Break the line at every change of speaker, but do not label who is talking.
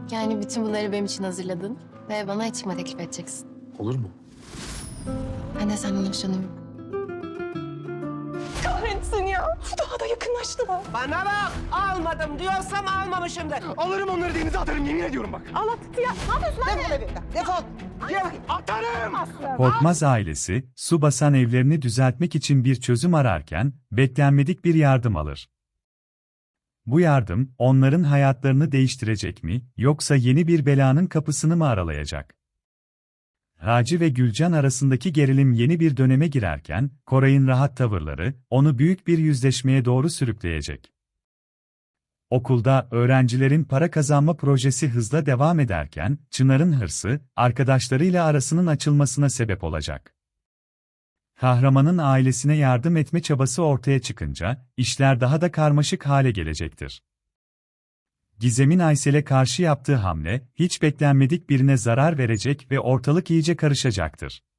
Yani bütün bunları benim için hazırladın ve bana çıkma teklif edeceksin.
Olur mu?
Ben de senden hoşlanıyorum. Kahretsin ya. Daha da yakınlaştılar.
Bana bak, almadım diyorsam almamışımdır.
Alırım onları denize atarım, yemin ediyorum bak.
Defol evimden, defol. Gel bakayım.
Atarım!
Korkmaz ailesi, su basan evlerini düzeltmek için bir çözüm ararken, beklenmedik bir yardım alır. Bu yardım, onların hayatlarını değiştirecek mi, yoksa yeni bir belanın kapısını mı aralayacak? Raci ve Gülcan arasındaki gerilim yeni bir döneme girerken, Koray'ın rahat tavırları, onu büyük bir yüzleşmeye doğru sürükleyecek. Okulda öğrencilerin para kazanma projesi hızla devam ederken, Çınar'ın hırsı, arkadaşlarıyla arasının açılmasına sebep olacak. Kahramanın ailesine yardım etme çabası ortaya çıkınca, işler daha da karmaşık hale gelecektir. Gizem'in Aysel'e karşı yaptığı hamle, hiç beklenmedik birine zarar verecek ve ortalık iyice karışacaktır.